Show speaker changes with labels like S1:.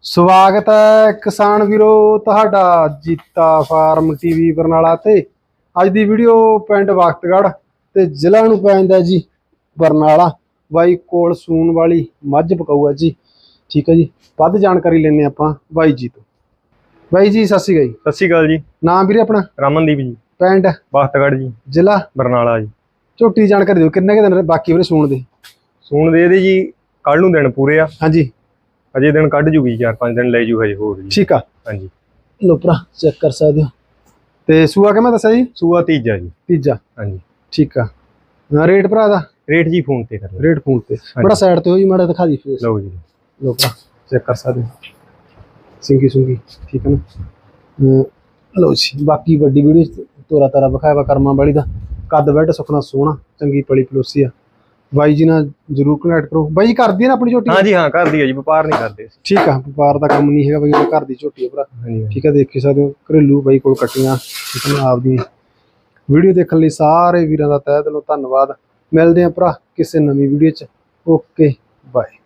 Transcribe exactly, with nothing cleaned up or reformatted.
S1: ਸਵਾਗਤ ਹੈ ਕਿਸਾਨ ਵੀਰੋ ਤੁਹਾਡਾ ਜੀਤਾ ਫਾਰਮ ਟੀਵੀ ਬਰਨਾਲਾ ਤੇ। ਅੱਜ ਦੀ ਵੀਡੀਓ ਪਿੰਡ ਵਖਤਗੜ੍ਹ ਤੇ ਜ਼ਿਲ੍ਹਾ ਨੂੰ ਪੈਂਦਾ ਜੀ ਬਰਨਾਲਾ। ਬਾਈ ਕੋਲ ਸੂਣ ਵਾਲੀ ਮੱਝ ਪਕਾਊ ਹੈ ਜੀ। ਠੀਕ ਹੈ ਜੀ, ਵੱਧ ਜਾਣਕਾਰੀ ਲੈਣੇ ਆਪਾਂ ਬਾਈ ਜੀ ਤੋਂ। ਬਾਈ ਜੀ ਸਤਿ ਸ਼੍ਰੀ ਅਕਾਲ ਜੀ।
S2: ਸਤਿ ਸ਼੍ਰੀ ਅਕਾਲ ਜੀ।
S1: ਨਾਮ ਵੀਰੇ ਆਪਣਾ?
S2: ਰਮਨਦੀਪ ਜੀ।
S1: ਪਿੰਡ
S2: ਵਖਤਗੜ੍ਹ ਜੀ,
S1: ਜ਼ਿਲ੍ਹਾ
S2: ਬਰਨਾਲਾ ਜੀ।
S1: ਝੋਟੀ ਜਾਣਕਾਰੀ ਦਿਓ, ਕਿੰਨੇ ਕੁ ਦਿਨ ਬਾਕੀ ਵੀਰੇ ਸੂਣ ਦੇ?
S2: ਸੂਣ ਦੇ ਇਹਦੇ ਜੀ ਕੱਲ ਨੂੰ ਦਿਨ ਪੂਰੇ ਆ।
S1: ਹਾਂਜੀ,
S2: ਅਜੇ ਦਿਨ ਕੱਢ ਜੂਗੀ, ਚਾਰ ਪੰਜ ਦਿਨ ਲੈ ਜੂ ਹਜੇ ਹੋਰ ਜੀ।
S1: ਠੀਕ ਆ,
S2: ਹਾਂਜੀ।
S1: ਲੋ ਭਰਾ ਚੈੱਕ ਕਰ ਸਕਦੇ ਹੋ। ਤੇ ਸੂਆ ਕਿਵੇਂ ਦੱਸਿਆ ਜੀ?
S2: ਸੂਆ ਤੀਜਾ ਜੀ।
S1: ਤੀਜਾ,
S2: ਹਾਂਜੀ
S1: ਠੀਕ ਆ। ਰੇਟ ਭਰਾ ਦਾ?
S2: ਰੇਟ ਜੀ ਫੋਨ ਤੇ ਕਰ ਲਓ।
S1: ਰੇਟ ਫੋਨ ਤੇ ਬੜਾ ਸਾਈਡ ਤੇ ਹੋ ਜੀ, ਮਾੜਾ ਦਿਖਾ ਦੀ ਫੇਸ।
S2: ਲਓ ਜੀ,
S1: ਲੋ ਭਰਾ ਚੈੱਕ ਕਰ ਸਕਦੇ ਹੋ, ਸਿੰਗੀ ਸੁੰਗੀ ਠੀਕ ਹੈ ਨਾ। ਲਓ ਜੀ, ਬਾਕੀ ਵੱਡੀ ਵੀਡੀਓ ਤੋਰਾ ਤਾਰਾ ਵਿਖਾਇਆ ਵਾ ਕਰਮਾਂ ਵਾਲੀ ਦਾ। ਕੱਦ ਬੈਡ ਸੁਖਣਾ ਸੋਹਣਾ, ਚੰਗੀ ਪਲੀ ਪਲੋਸੀ ਆ। ਬਾਈ ਜੀ ਨਾਲ ਜਰੂਰ ਕਨੈਕਟ ਕਰੋ। ਬਾਈ ਕਰਦੀ ਹੈ ਨਾ ਆਪਣੀ ਝੋਟੀ?
S2: ਹਾਂਜੀ ਹਾਂ ਕਰਦੀ ਹੈ ਜੀ, ਵਪਾਰ ਨਹੀਂ ਕਰਦੇ।
S1: ਠੀਕ ਆ, ਵਪਾਰ ਦਾ ਕੰਮ ਨਹੀਂ ਹੈਗਾ ਬਾਈ, ਘਰ ਦੀ ਝੋਟੀ ਆ ਭਰਾ।
S2: ਹਾਂਜੀ
S1: ਠੀਕ ਆ, ਦੇਖ ਸਕਦੇ ਹੋ ਘਰੇਲੂ ਬਾਈ ਕੋਲ ਕੱਟੀਆਂ। ਠੀਕ ਹੈ, ਆਪਦੀ ਵੀਡੀਓ ਦੇਖਣ ਲਈ ਸਾਰੇ ਵੀਰਾਂ ਦਾ ਤਹਿ ਦਿਲੋਂ ਧੰਨਵਾਦ। ਮਿਲਦੇ ਆ ਭਰਾ ਕਿਸੇ ਨਵੀਂ ਵੀਡੀਓ 'ਚ। Okay bye.